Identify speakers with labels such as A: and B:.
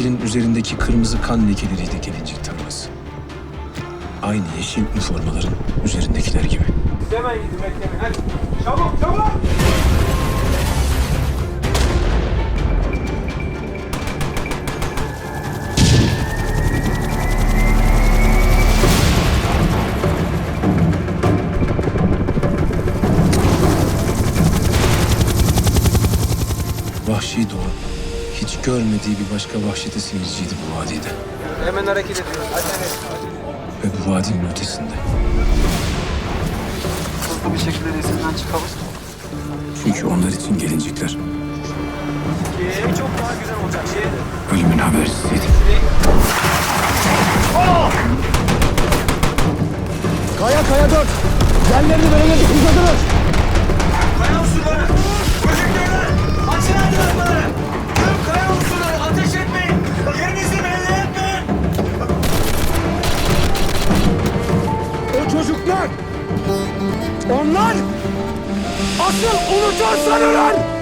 A: yeşilin üzerindeki kırmızı kan lekeleriydi gelincik tarlası. Aynı yeşil üniformaların üzerindekiler gibi.
B: Hemen gidin, beklemeyin. Hadi. Çabuk, çabuk!
A: Vahşi doğa hiç görmediği bir başka vahşete seyirciydi bu vadide.
B: Hemen hareket ediyoruz. Hadi.
A: Ve bu vadinin ötesinde.
B: Hızlı bir şekilde resimden çıkalım.
A: Çünkü onlar için gelincikler
B: Çok daha güzel olacak şey.
A: ölümün habersiziydi.
C: Kaya 4. Yerlerini veremedik uzadınız.
B: Kaya unsurları! Projektörler! Açın aydınlatmaları! Tüm kaya unsurları ateş etmeyin! Yerinizi belli etmeyin!
C: O çocuklar. Onlar asıl unutursan ölen.